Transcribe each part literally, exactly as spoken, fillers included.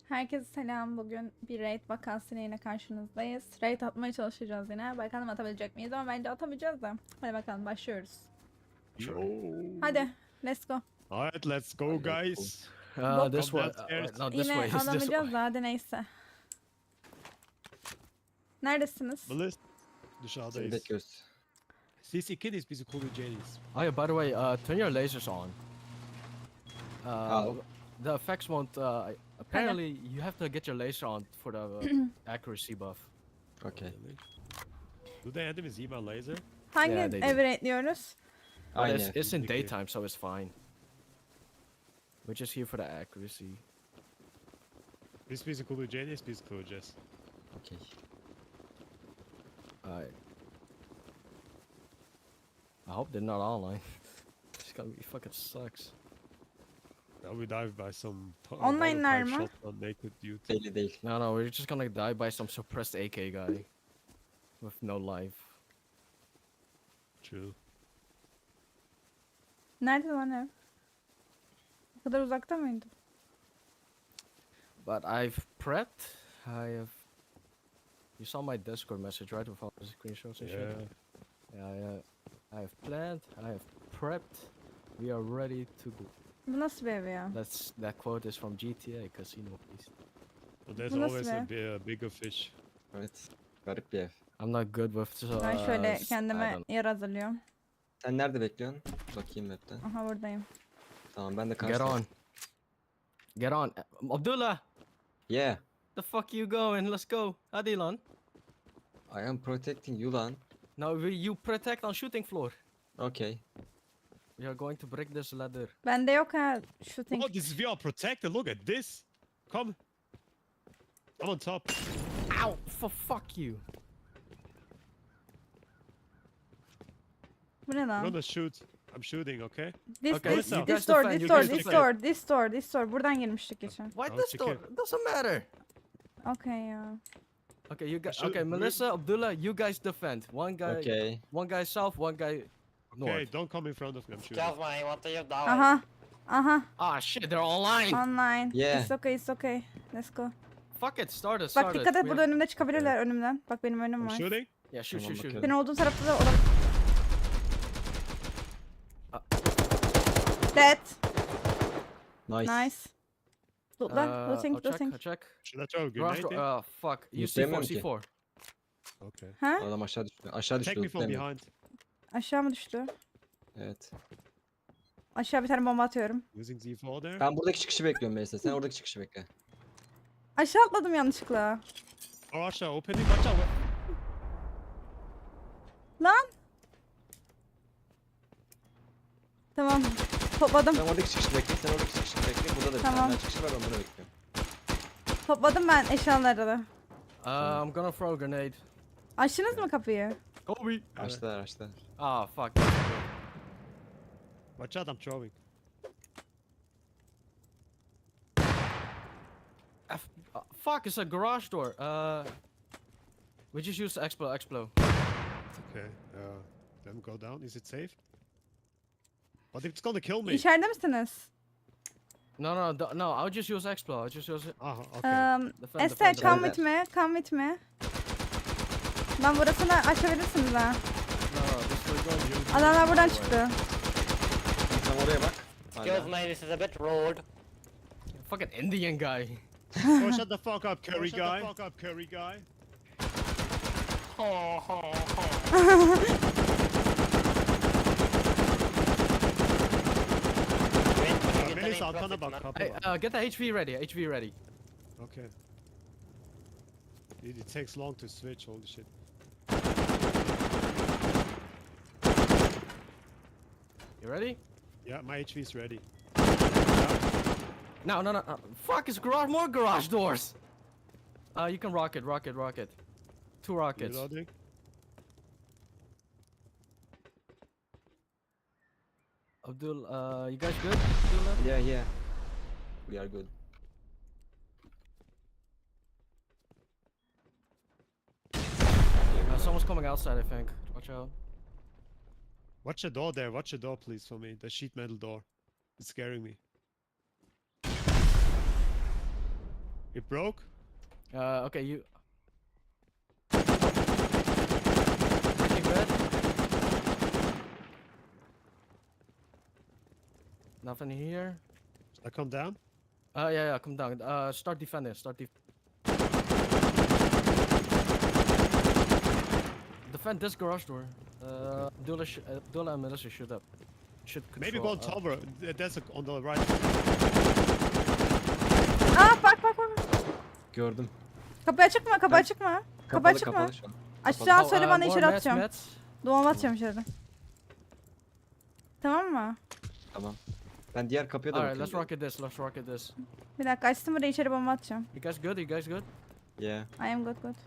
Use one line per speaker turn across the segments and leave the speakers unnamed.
Herkese selam. Bugün bir raid vakasıyla yine karşınızdayız. Raid atmaya çalışacağız yine. Bakalım atabilecek miyiz ama bence atamayacağız da. Hadi bakalım başlıyoruz.
Yo.
Hadi let's go.
Alright, let's go, guys.
Uh,
Bok.
this
Come
way. Uh,
downstairs.
wait, not this
Yine
way. It's this way.
alamayacağız da hadi neyse. Neredesiniz?
Melis.
Seni
Dışarıdayız.
bekliyoruz.
C C Kiddies bizi koruyacağız.
Oh yeah, by the way, uh, turn your lasers on. Uh,
How?
The effects won't. Uh, apparently, you have to get your laser on for the uh, accuracy buff.
Okay.
Do they have his email laser?
Hangi
Yeah, they do.
evi raidliyoruz?
But
Aynen.
it's, it's in
Okay.
daytime, so it's fine. We're just here for the accuracy.
Biz bizi koruyacağız, biz koruyacağız.
Okay.
Alright. I hope they're not online. It's gonna be fucking sucks.
Now we dive by some po-
Online'lar
monotype
mı?
shotgun naked dude.
Belli değil.
No, no, we're just gonna die by some suppressed A K guy with no life.
True.
Nerede lan ev? Bu kadar uzakta mıydı?
But I've prepped. I have. You saw my Discord message, right? With all the screenshots and
Yeah.
shit. Yeah, yeah. I have planned. I have prepped. We are ready to go.
Bu nasıl bir ev ya?
That's that quote is from G T A Casino Beast.
But there's
Bu nasıl
always a,
be?
bi- a bigger fish.
Evet. Garip bir ev.
I'm not good with. Uh,
Ben şöyle
s- I
kendime
don't-
yer hazırlıyorum.
Sen nerede bekliyorsun? Bakayım map'ten.
Aha buradayım.
Tamam ben de
Get
karşıda.
on. Get on, Uh, Abdullah.
Yeah.
The fuck you going? Let's go. Hadi lan.
I am protecting you lan.
Now we, you protect on shooting floor.
Okay.
We are going to break this ladder.
Bende yok ha shooting.
Oh, this is V R protected. Look at this. Come. I'm on top.
Ow! For fuck you.
Bu ne
I'm
lan?
gonna shoot. I'm shooting, okay?
This,
Okay,
this,
you
this
guys
door,
defend,
this
you
door,
guys
this
defend.
door, this door, this door. Buradan girmiştik geçen.
Why
I'll
this
check
door?
it.
Doesn't matter.
Okay ya.
Okay, you guys.
should-
Okay,
we-
Melissa, Abdullah, you guys defend. One guy.
Okay.
One guy south, one guy
Okay,
north.
don't come in front of me. I'm shooting.
Excuse me, what are you doing?
Aha. Aha.
Ah shit, they're online.
Online.
Yeah.
It's okay, it's okay. Let's go.
Fuck it, start it,
Bak
start
dikkat
it.
et
We
burada
have-
önümde çıkabilirler önümden. Bak benim önüm
I'm
var.
shooting.
Yeah, shoot,
Tamam,
shoot, shoot.
bakıyorum.
Senin olduğun tarafta da olabilir. Dead.
Nice.
Nice. Lootla.
Uh,
Looting,
I'll check,
looting.
I'll check.
Should I throw a
Garage
grenade
door.
in?
Uh, fuck. You
Yok,
C four,
demiyorum ki.
C four.
Okay.
Ha?
Adam aşağı düştü. Aşağı düştü.
Take me from
demiyorum.
behind.
Aşağı mı düştü?
Evet.
Aşağı bir tane bomba atıyorum.
Using Z four there.
Ben buradaki çıkışı bekliyorum Melisa. Sen oradaki çıkışı bekle.
Aşağı atladım yanlışlıkla.
Oh, aşağı opening. Watch out.
Lan. Tamam. Topladım.
Sen oradaki çıkışı bekle. Sen oradaki çıkışı bekle. Burada da bir
Tamam.
tane daha çıkış var. Ben bunu bekliyorum.
Topladım ben eşyaları da.
Uh, I'm gonna throw a grenade.
Açtınız mı kapıyı?
Kobe.
Açtılar açtılar.
Ah, fuck.
Watch out, I'm throwing.
F uh, fuck, it's a garage door. Uh, we just used explo, explo.
Okay. Uh, let me go down. Is it safe? But it's gonna kill me.
İçeride misiniz?
No, no, d- no. I'll just use explo. I'll just use it.
Ah, okay.
Um,
Defend,
Esther
defend,
come
defend.
with me. Come with me. Ben burasını açabilirsiniz ha.
No, no, this will go. You-
Adamlar buradan
Right.
çıktı.
Sen oraya bak.
Excuse
Hala.
me, this is a bit rude.
Fucking Indian guy.
Oh, shut the fuck up, curry
shut the
guy. Fuck up, curry guy.
Ho, ho, ho. Wait, can you get
Melis
any
arkana
profit,
bak,
man?
kapı
Hey,
var.
uh, get the H V ready. H V ready.
Okay. It, it takes long to switch. Holy shit.
You ready?
Yeah, my H V is ready.
No, no, no. Uh, fuck, it's garage. More garage doors. Uh, you can rocket, rocket, rocket. Two rockets.
Reloading.
Abdul, uh, you guys good? Abdullah?
Yeah yeah. We are good.
Uh, someone's coming outside, I think. Watch out.
Watch the door there. Watch the door, please, for me. The sheet metal door. It's scaring me. It broke.
Uh, okay, you. Breaking bed. Nothing here.
Should I come down?
Uh, yeah, yeah, come down. Uh, start defending. Start def. Defend this garage door. Uh, Abdullah, sh- Abdullah and Melissa shoot up. Should control.
Maybe go on
uh,
tower. Th- There's a, on the right.
Aa bak bak bak.
Gördüm.
Kapı açık mı? Kapı
Ben-
açık mı? Kapı
Kapalı
açık mı?
kapalı şu an.
Açacağını
oh,
söyle
uh,
bana
more
içeri
mats,
atacağım.
mats.
Doğum atacağım içeri. Tamam mı?
Tamam. Ben diğer kapıya da
Alright, let's
bakıyorum.
rocket this. Let's rocket this.
Bir dakika açtım burayı içeri bomba atacağım.
You guys good? You guys good?
Yeah.
I am good good.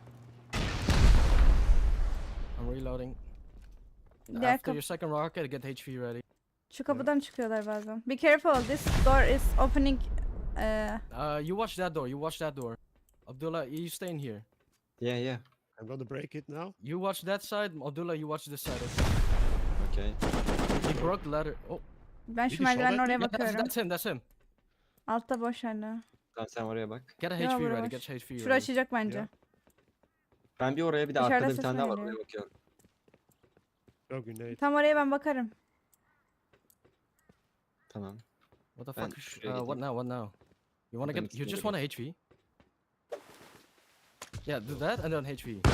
I'm reloading.
Diğer
After
kapı.
your second rocket, get H P ready.
Şu kapıdan çıkıyorlar bazen. Be careful, this door is opening. Eee
Uh, you watch that door. You watch that door. Abdullah, you stay in here.
Yeah yeah.
I'm gonna break it now.
You watch that side. Abdullah, you watch this side.
Okay.
He broke the ladder. Oh,
ben
Bir
şu
de
merdivenin
şurada-
oraya
yeah, that's,
bakıyorum.
that's him. That's him.
Altta boş hala.
Tamam sen oraya bak.
Get a
Yeah,
H P
where
ready.
was-
Get H P
Şura
ready.
açacak bence.
Ya.
Ben bir oraya bir de
Dışarıda
arkada bir
ses
tane daha var
geliyor.
oraya bakıyorum.
No grenade.
Tam oraya ben bakarım.
Tamam.
What the
Ben
fuck? is-
şuraya
Uh, what
gideyim.
now? What now? You wanna
Ben
get? You
ikisini
just
de
want a H P? Yeah, do that and then H P.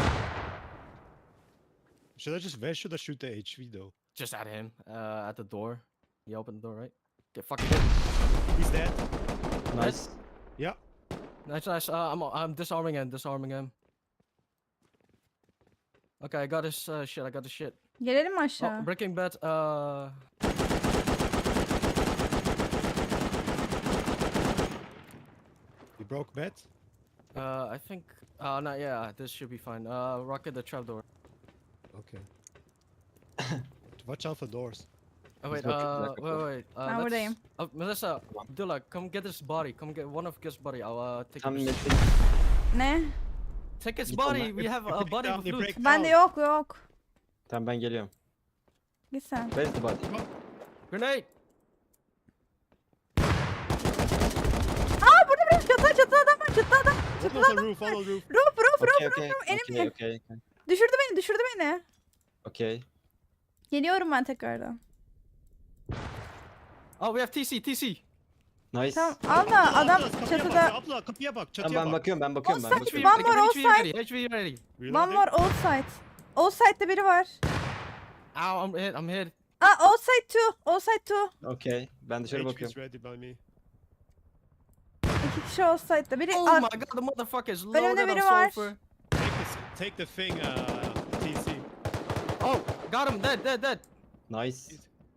Should I just where should I shoot the H V though?
Just at him. Uh, at the door. You open the door, right? Get fucking hit.
He's dead.
Nice.
Yeah.
Nice, nice. Uh, I'm I'm disarming him. Disarming him. Okay, I got his uh, shit. I got his shit.
Gelelim mi aşağı?
Oh, Breaking Bad. Uh,
He broke bed.
uh, I think. Uh, no, yeah, this should be fine. Uh, rocket the trapdoor.
Okay. Watch out for doors.
Oh
He's
wait,
looking
uh,
back
wait,
up.
wait. Uh,
Ben
let's-
buradayım.
Uh, Melissa, Abdullah, come get his body. Come get one of his body. I'll uh, take
Tam
his.
Metin.
Ne?
Take his
Git
body.
ondan.
We have a
break
body
down,
with
he
loot.
break
Bende
down.
yok yok.
Tamam ben geliyorum.
Git sen.
Where's the body?
Grenade.
Aa burada burada çatı çatı adam var çatı adam.
One on the roof. One on the roof.
Roof roof roof
Okay
roof
okay.
roof.
Okay
Enemy.
okay. okay.
Düşürdü beni düşürdü beni.
Okay.
Geliyorum ben tekrardan.
Oh, we have T C. T C.
Nice.
Tamam al da adam
Abla, kapıya
çatıda.
bak, abla kapıya bak.
Tamam
Çatıya
ben
bak.
bakıyorum ben bakıyorum ben
Offside,
bakıyorum.
one more
H P
outside.
ready. H P ready.
One
Reloading.
more outside. Outside'de biri var.
Ow, I'm hit. I'm hit.
Aa outside two. Outside two.
Okay. Ben dışarı
H P
bakıyorum.
is ready by me.
İki kişi outside'da. Biri
Oh
ar-
my god, the motherfucker is
Önümde
loaded on
biri var.
sulfur.
Take this. Take the thing. Uh, T C.
Oh, got him. Dead, dead, dead.
Nice.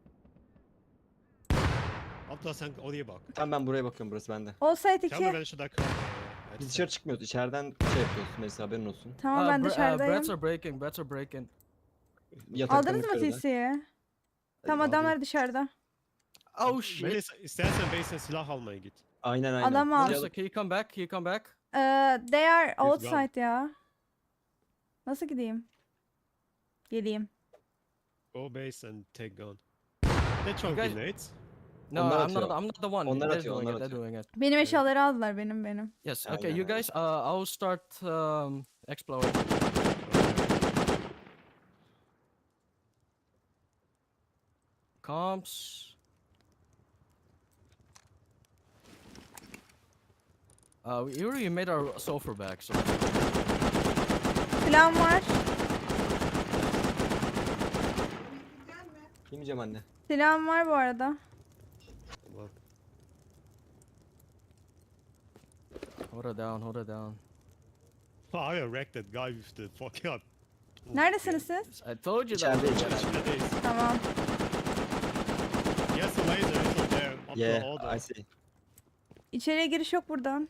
Abla sen oraya bak.
Tamam ben buraya bakıyorum burası bende.
outside
Tell me
iki.
when should I come? Uh,
Biz dışarı çıkmıyoruz. İçeriden şey yapıyoruz. Mesela haberin olsun.
Tamam
Uh,
ben
bre- uh,
dışarıdayım.
breads are breaking. Breads are breaking.
Yataktan
Aldınız mı
yukarıda.
T C'yi? Tamam
Aldım.
adamlar dışarıda.
Oh shit.
Melisa istersen base'e silah almaya git.
Aynen aynen.
Adam al.
Melissa, can you come back? Can you come back?
Ee, they are
gone.
outside ya. Nasıl gideyim? Geleyim.
Go base and take gun. They throw
You guys-
grenades.
No,
Onlar
I'm not.
atıyor.
I'm not the one.
Onlar
They're
atıyor,
doing
onlar
it. They're
atıyor.
doing it.
Benim eşyaları aldılar benim benim.
Yes.
Aynen,
Okay, you
aynen.
guys. Uh, I'll start um, exploring. Comps. Uh, we already made our sulfur back, so
Silahım var.
Yemeyeceğim anne.
Silahım var bu arada.
Well,
hold it down, hold it down.
I wrecked that guy with the fucking.
Neredesiniz siz?
I told you that.
İçeride
was gonna
içeride.
happen.
Grenades.
Tamam.
Yes, the laser is not there. Up
Yeah,
to order.
I see.
İçeriye giriş yok buradan.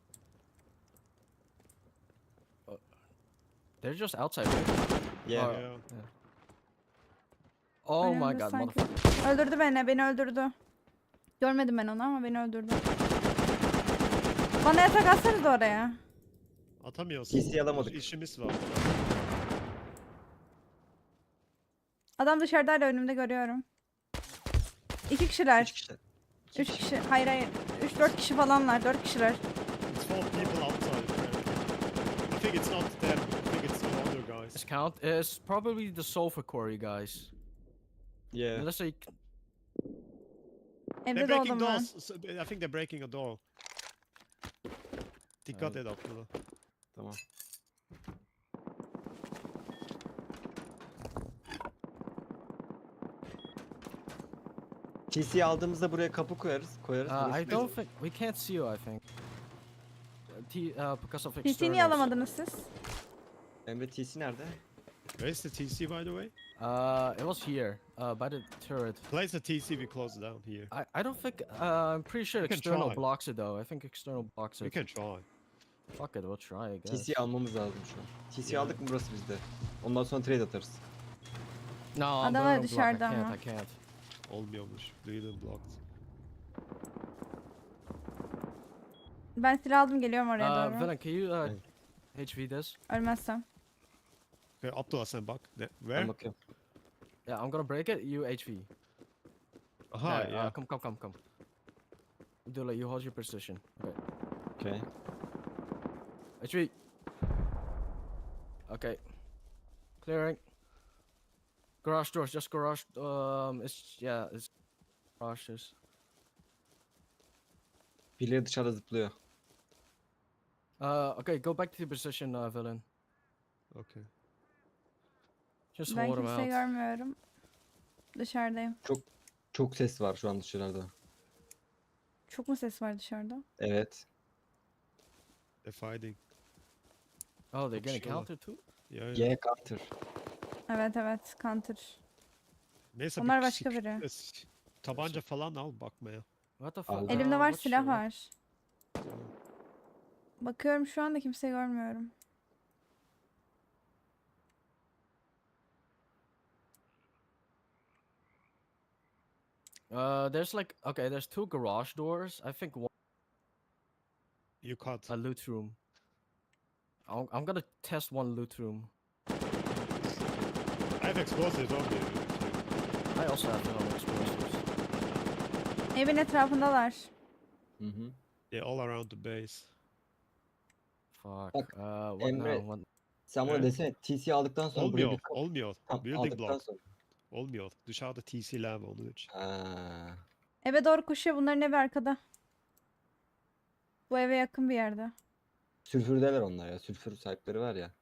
They're just outside. Right?
Yeah.
Or-
Yeah.
Oh my
Önümde
god,
sanki.
motherfucker.
Öldürdü beni, beni öldürdü. Görmedim ben onu ama beni öldürdü. Bana yatak atsanız oraya.
Atamıyorsun.
T C alamadık.
İşimiz var.
Adam dışarıda hala önümde görüyorum. İki kişiler.
Üç kişi.
Üç kişi. Hayır hayır. Üç dört kişi falanlar. Dört kişiler.
It's four people outside. apparently. I think it's not them. I think it's the other guys.
Let's count. It's probably the sulfur quarry guys.
Yeah.
Unless they.
They're
Evde
breaking
doğdum ben.
doors. So, I think they're breaking a door. Dikkat et Abdullah.
Tamam. T C'yi aldığımızda buraya kapı koyarız. Koyarız.
Uh,
burası
I
bizim.
don't think we can't see you. I think. Uh, T uh, because of
P C'yi
externals.
niye alamadınız siz?
Emre T C nerede?
Where is the T C, by the way?
Uh, it was here. Uh, by the turret.
Place the T C. We close it down here.
I I don't think. Uh, I'm pretty sure
We can
external
try.
blocks it though. I think external blocks
We
it.
can try.
Fuck it, we'll try. I
T
guess.
C'yi almamız lazım şu an. T C'yi
Yeah.
aldık mı burası bizde. Ondan sonra trade atarız.
No, I'm
Adam
going
var
to block. I
dışarıda
can't.
ama.
I can't.
Olmuyormuş. Duyduğum blocked.
Ben silah aldım geliyorum oraya
Uh,
doğru.
Villain, can you uh,
Evet.
H V this?
Ölmezsem.
Okay, Abdullah sen bak. Ne?
Ben
Where?
bakıyorum.
Yeah, I'm gonna break it. You H V.
Aha,
Yeah,
yeah.
Uh, come, come, come, come. Abdullah, you hold your position. Okay.
Okay.
H V. Okay. Clearing. Garage doors, just garage. Um, it's yeah, it's garages.
Birileri dışarıda zıplıyor.
Uh, okay, go back to your position, uh, Villain.
Okay.
Just
Ben
hold him
kimseyi
out.
görmüyorum. Dışarıdayım.
Çok ses var şu an dışarıda.
Çok mu ses var dışarıda?
Evet.
They're fighting.
Oh, they're getting
Sure.
countered too.
Yeah, yeah.
G counter.
Evet evet counter.
Neyse
Onlar
bir
başka
sik-
biri.
es- Tabanca falan al bakmaya.
What the
Aldım.
fuck?
Elimde
Uh,
var
what's
silah
your-
var. Bakıyorum şu anda kimseyi görmüyorum.
Uh, there's like okay, there's two garage doors. I think one
You cut.
a loot room. I'm, I'm gonna test one loot room.
I have explosives on me.
I also have some explosives.
Evin etrafındalar.
Hı hı.
They're all around the base.
Fuck.
Bak,
Uh, what
Emre,
now? What?
Sen bana
Evet.
desene T C'yi aldıktan sonra buraya
Olmuyor,
bir kapı
olmuyor.
Tamam,
Building
aldıktan
block.
sonra.
Olmuyor. Dışarıda T C'ler var onun için.
Ha.
Eve doğru koşuyor. Bunların evi arkada. Bu eve yakın bir yerde.
Sülfürdeler onlar ya. Sülfür sahipleri var ya.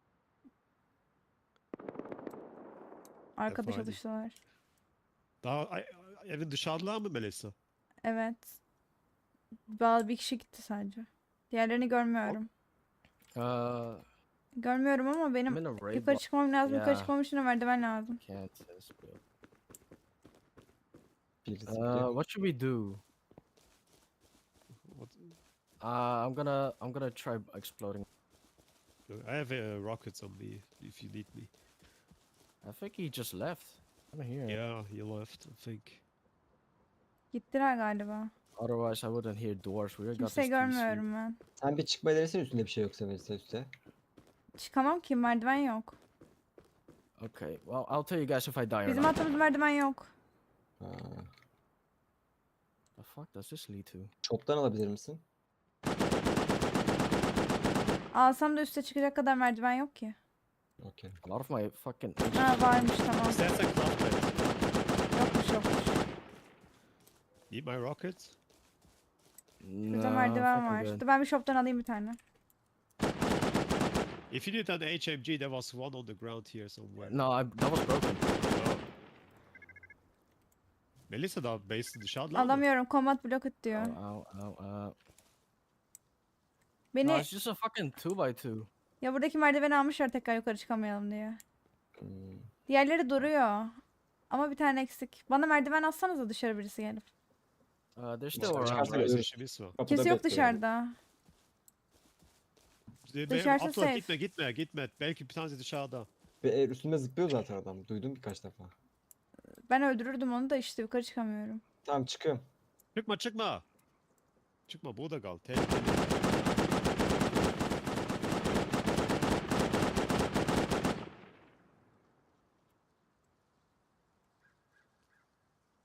Arkada
Efendim?
çalıştılar.
Daha ay- ay- evin dışarılar mı Melisa?
Evet. Bazı bir kişi gitti sadece. Diğerlerini görmüyorum.
Uh,
Görmüyorum ama
I'm
benim
in a raid
yukarı
block.
çıkmam lazım. Yukarı
Yeah.
çıkmam için de merdiven lazım.
Can't test build.
Birisi
Uh,
zıplıyor.
what should we do?
What?
Uh, I'm gonna I'm gonna try exploding.
I have uh, rockets on me if you need me.
I think he just left. I'm here.
Yeah, you left, I think.
Gittiler galiba.
Otherwise, I wouldn't hear doors. We got this
Kimseyi
T C.
görmüyorum ben.
Sen bir çıkmayı denesene üstünde bir şey yoksa mesela üstte.
Çıkamam ki merdiven yok.
Okay. Well, I'll tell you guys if I die or
Bizim
not.
attığımız merdiven yok.
Ha.
The fuck does this lead to?
Shop'tan alabilir misin?
Alsam da üste çıkacak kadar merdiven yok ki.
Okey.
A lot of my fucking.
Ha varmış tamam.
İstersen craft it.
Yokmuş yokmuş.
Need my rockets?
Burada
No, I
merdiven
think I'm
var.
good.
Dur ben bir shop'tan alayım bir tane.
If you need an H M G, there was one on the ground here somewhere.
No, I, that was broken.
Oh. Melisa da base'i dışarıda mı?
Alamıyorum. Combat block diyor.
Ow, ow, ow, ow.
Beni
No, it's just a fucking two by two.
ya buradaki merdiveni almışlar tekrar yukarı çıkamayalım diye.
Hmm.
Diğerleri duruyor. Ama bir tane eksik. Bana merdiven atsanıza dışarı birisi gelip.
Uh, they're still
Dışarı
around.
çıkarsa
right?
ölür.
işimiz var.
Kapıda
Kimse yok
bekliyor.
dışarıda.
Be-
Dışarısı
Abdullah
safe.
gitme gitme gitme. Belki bir tanesi dışarıda.
Ve e, üstünde zıplıyor zaten adam. Duydum birkaç defa.
Ben öldürürdüm onu da işte yukarı çıkamıyorum.
Tamam çıkıyorum.
Çıkma çıkma. Çıkma burada kal. Tehlikeli.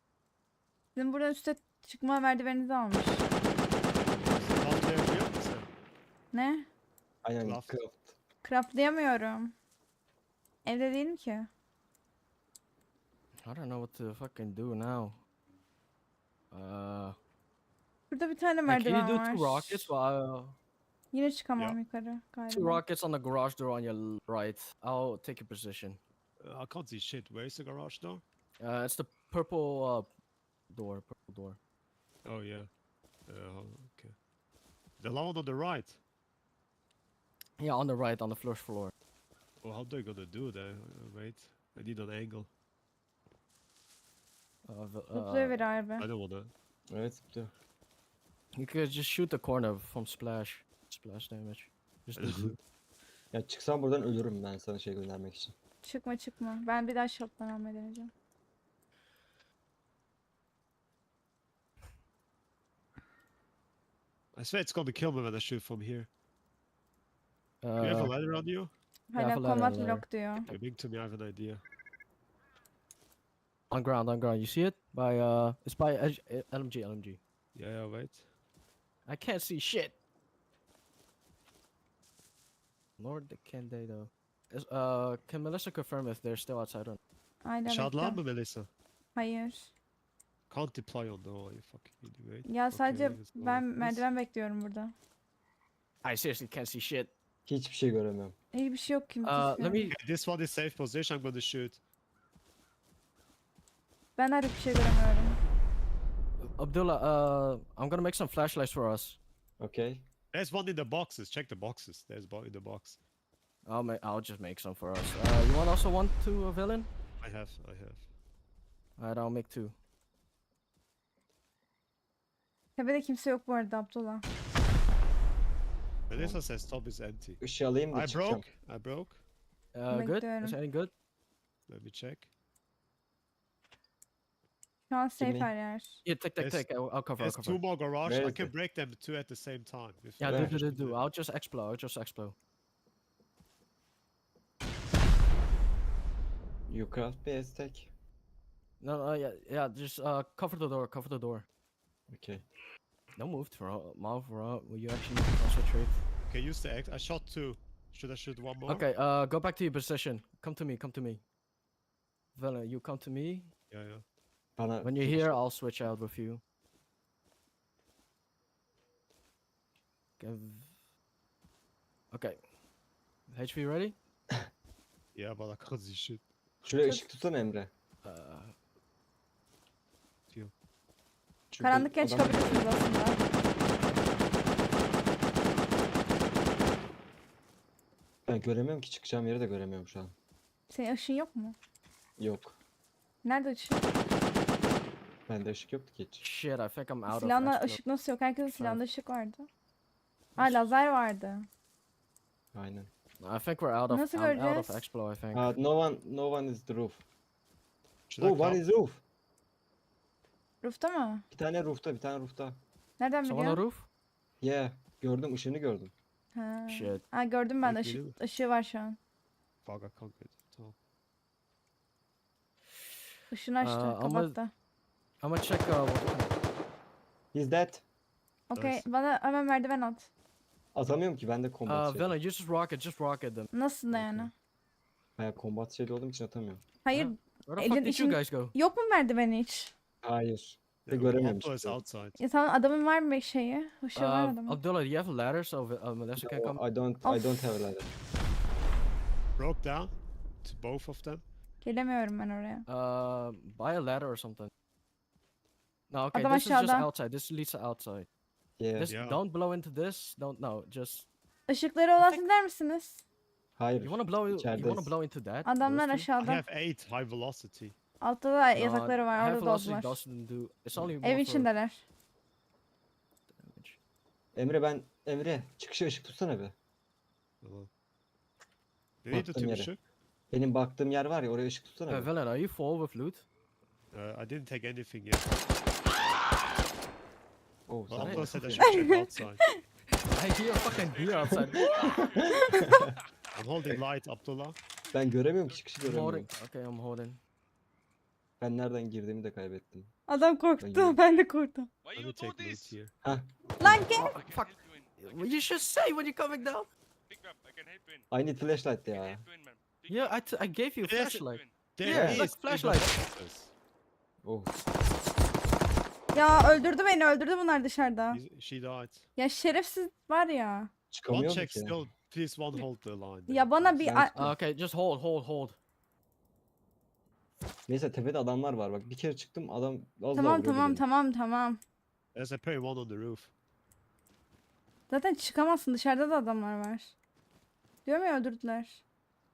Bizim buradan üste çıkma merdiveninizi almış.
Atlayabiliyor musun?
Ne?
Aynen
Craft.
craft.
Craftlayamıyorum. Evde değilim ki.
I don't know what to fucking do now. Uh,
Burada bir tane
hey, can you
merdiven
do
var.
two rockets? While,
Yine çıkamam
Yeah.
yukarı
two
galiba.
rockets on the garage door on your l- right. I'll take your position.
Uh, I can't see shit. Where's the garage door?
Uh, it's the purple uh, door. Purple door.
Oh yeah. Uh, okay. The one on the right.
Yeah, on the right, on the first floor.
Well, how they gonna do that? Uh, wait, I need an angle.
Uh, the,
Zıplıyor
uh,
bir harbi.
I don't wanna.
Evet zıplıyor.
you could just shoot the corner from splash. Splash damage. Just do that.
Ya çıksam buradan ölürüm ben sana şey göndermek için.
Çıkma çıkma. Ben bir daha shot'tan almayı deneyeceğim.
I swear it's gonna kill me when I shoot from here. Do you have a
Uh,
ladder on you?
Hala
have a ladder,
combat
ladder.
block diyor.
Okay, bring to me. I have an idea.
on ground, on ground. You see it? By uh, it's by L- L M G, L M G.
Yeah, yeah. Wait.
I can't see shit. Lord, can they though? Is, uh, can Melissa confirm if they're still outside or?
Aynen
Shotlan
bekle.
mı Melissa?
Hayır.
Can't deploy on no. You fucking idiot.
Ya sadece
Okay, let's go
ben
like this.
merdiven bekliyorum burada.
I seriously can't see shit.
Hiçbir şey göremiyorum.
İyi bir şey yok ki.
Uh,
gözükmüyor.
let me.
Okay, this one is safe position. I'm gonna shoot.
Ben artık bir şey göremiyorum.
Abdullah, uh, I'm gonna make some flashlights for us.
Okay.
There's one in the boxes. Check the boxes. There's one in the box.
I'll make. I'll just make some for us. Uh, you want also want to a villain?
I have. I have.
Alright, I'll make two.
Tepede kimse yok bu arada Abdullah.
Melissa says top is empty.
Işığı alayım da
I
çıkacağım.
broke. I broke.
Uh, good. Is
Bekliyorum.
any good?
Let me check.
Şu an safe
Kimi?
her yer.
Yeah, take, take,
There's-
take. I'll, I'll cover. I'll
There's
cover.
two more garage.
Where
I
is
can
it?
break them two at the same time. If
Yeah,
you
do,
Where?
do, do,
wish to
do. I'll just explode. I'll just explode.
You craft bir estek.
No, no, yeah, yeah. Just uh, cover the door. Cover the door.
Okay.
Don't move, throw, mouth, throw. Will you actually concentrate?
Okay, use the X. I shot two. Should I shoot one more?
Okay, uh, go back to your position. Come to me. Come to me. Vela, you come to me.
Yeah, yeah.
Bana
When you're here, I'll switch out with you. Give- Okay. H P ready?
Yeah, but I can't see shit.
Şuraya ışık tutsana Emre.
Uh,
Şurada
Karanlıkken
adam-
çıkabilirsiniz aslında.
Ben göremiyorum ki çıkacağım yeri de göremiyorum şu an.
Senin ışığın yok mu?
Yok.
Nerede ışık?
Bende ışık yoktu ki hiç.
shit, I think I'm out
Silahla
of explode.
ışık nasıl yok? Herkesin
Sorry.
silahında ışık vardı. Aa lazer vardı.
Aynen.
I think we're out of.
Nasıl
I'm out of
göreceğiz?
explode. I think.
Uh, no one, no one is the roof.
Should I
Oh, one
come?
is roof.
Roof'ta mı?
Bir tane roofta, bir tane roofta.
Nereden
Someone on the
biliyorsun?
roof?
Yeah, gördüm, ışığını gördüm.
Ha.
Shit.
Ha gördüm ben de
Yok, geliyor
ışık, ışığı var şu an.
Fuck, I can't get it. Tamam.
Işığını açtı,
Aa, ama-
kapattı.
I'm gonna check. Uh, what,
He's dead.
Okey,
Nice.
bana hemen merdiven at.
Atamıyorum ki bende
uh,
combat şey.
Vela, you just rocket. Just rocket them.
Nasıl da yani?
Okey.
Baya combat şeyli olduğum için atamıyorum.
Hayır,
Where the
Elin
fuck did you
işin-
guys go?
yok mu merdiveni hiç?
Hayır.
Yeah,
göremiyorum
Oppo is
işte.
outside.
Ya tamam adamın var mı şeyi? Işığı var
Uh,
adamın.
Abdullah, do you have a ladder so uh, Melissa can come?
No, I don't, I
Of.
don't have a ladder.
Broke down to both of them.
Gelemiyorum ben oraya.
Uh, buy a ladder or something. No, okay.
Adam
This is just
aşağıda.
outside. This leads to outside.
Yeah.
This
Yeah.
don't blow into this. Don't no. Just
Işıkları olan der misiniz?
Hayır.
you wanna blow. You wanna
İçerideyiz.
blow into that?
Adamlar
those two?
I
aşağıda.
have eight high velocity.
Altta da
No,
yatakları var,
high
orada
velocity
doldular.
doesn't do. It's only more
Ev
for
içindeler.
damage.
Emre ben, Emre çıkışa ışık tutsana be.
Tamam. Nereye
Baktım
tutayım
yere.
ışık?
Benim baktığım yer var ya oraya ışık tutsana
Uh,
be.
Velen, are you full with loot?
Uh, I didn't take anything yet.
Oh,
Well,
sen-
Oppo said I
okay.
should check outside.
I hear a fucking deer outside.
I'm holding light, Abdullah.
Ben göremiyorum ki çıkışı
I'm holding.
göremiyorum.
Okay, I'm holding.
Ben nereden girdiğimi de kaybettim.
Adam korktu,
Ben-
ben de korktum.
Why
Let
you
me
do
take loot
this?
here.
Lan gel.
Oh, fuck. You should say when you're coming down.
Pick up. I can help you in.
I need flashlight
I can
ya.
help you in, man. Pick
Yeah, I, t I gave you a
Yes.
flashlight.
There
Yeah,
is
look,
in the
flashlight.
boxes.
Oh.
Ya öldürdü beni, öldürdü bunlar dışarıda.
He's- She died.
Ya şerefsiz var ya.
One
Çıkamıyor
check
ki.
still. Please one hold the line. there,
Ya bana
please.
bir
Ben-
a-
Uh, okay, just hold, hold, hold.
Neyse tepede adamlar var bak. Bir kere çıktım adam az daha
tamam
vuruyordu
tamam
beni.
tamam tamam.
There's a pair one on the roof.
Zaten çıkamazsın, dışarıda da adamlar var. Diyorum ya, öldürdüler.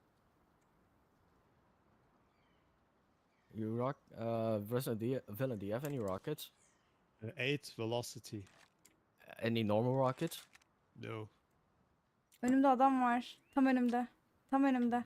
You rock. Uh, Villain, do you, Villain, do you have any rockets?
Uh, eight velocity.
Any normal rockets?
No.
Önümde adam var. Tam önümde. Tam önümde.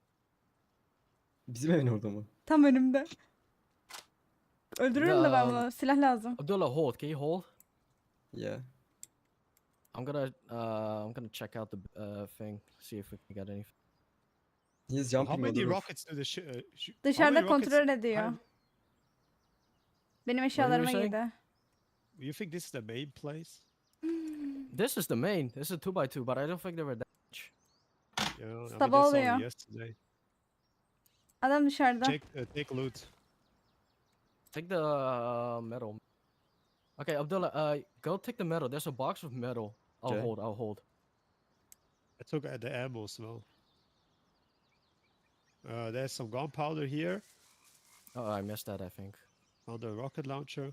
Bizim evin orada mı?
Tam önümde. Öldürürüm de ben
Ya.
bunu. Silah lazım.
Abdullah, hold. Can you hold?
Yeah.
I'm gonna, uh, I'm gonna check out the uh thing, see if we can get anything.
He's
How
jumping on
many
the roof.
rockets do the sh- uh, sh- how
Dışarıda
many rockets
kontrol ediyor.
have-
Benim eşyalarıma
saying?
girdi.
You think this is the main place?
This is the main. This is a two by two, but I don't think they were that much.
Yeah, I mean,
Sabah
this
oluyor.
only yesterday.
Adam dışarıda.
Take, uh, take loot.
Take the uh, metal. Okay, Abdullah, uh, go take the metal. There's a box of metal. I'll
Okay.
hold. I'll hold.
I took uh, the ammo as well. Uh, there's some gunpowder here
Oh, I missed that. I think.
on the rocket launcher.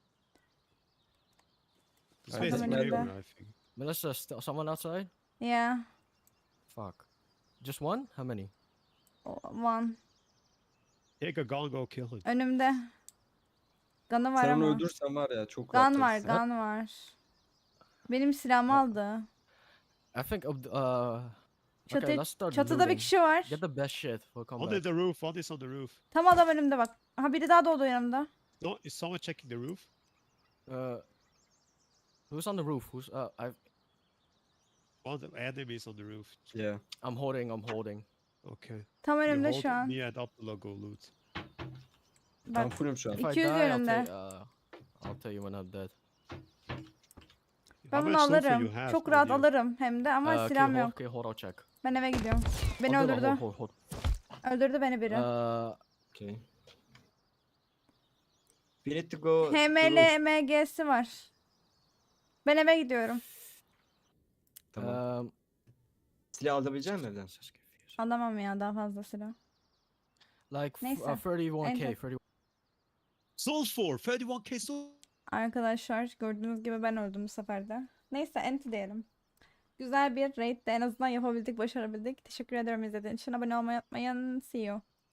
This
I
place is
think
clear,
maybe-
I think.
Melissa, st- someone outside?
Yeah.
Fuck. Just one? How many?
One.
Take a gun, go kill him.
Önümde. Gun'ı var
Sen onu
ama.
öldürürsen var ya çok rahat
Gun var,
yersin.
gun var. Benim silahımı aldı.
I think. Abd- uh.
Çatı,
okay, let's start
çatıda bir
looting.
kişi var.
Get the best shit. We'll come
Under
back.
the roof, one is on the roof.
Tam adam önümde bak. Ha, biri daha doğdu yanımda.
No, is someone checking the roof?
Uh. Who's on the roof? Who's uh? I.
One of the enemies on the roof.
Yeah.
I'm holding. I'm holding.
Okay.
Tam
You
önümde
hold
şu an.
me and Abdullah go loot.
Ben
Bak.
fullüm şu an.
If I
iki yüz
die, I'll
yönünde.
tell, uh, I'll tell you when I'm dead.
Ben
How
bunu
much sulfur
alırım.
you have
Çok
on
rahat
you?
alırım hem de ama
Uh, okay,
silahım
hold.
yok.
Okay, hold. I'll check.
Ben eve gidiyorum. Beni
Abdullah,
öldürdü.
hold, hold, hold.
Öldürdü beni biri.
Uh.
Okay. We need to go to
H M
the
L
roof.
M G'si var. Ben eve gidiyorum.
Tamam.
Um.
Silah alabilecek misin evden?
Alamam ya daha fazla silah.
Like f-
Neyse,
uh, thirty-one K.
enter.
thirty.
Sulfur, thirty-one K sulfur.
Arkadaşlar gördüğünüz gibi ben öldüm bu sefer de. Neyse enti diyelim. Güzel bir raid de en azından yapabildik, başarabildik. Teşekkür ederim izlediğiniz için. Abone olmayı unutmayın. See you.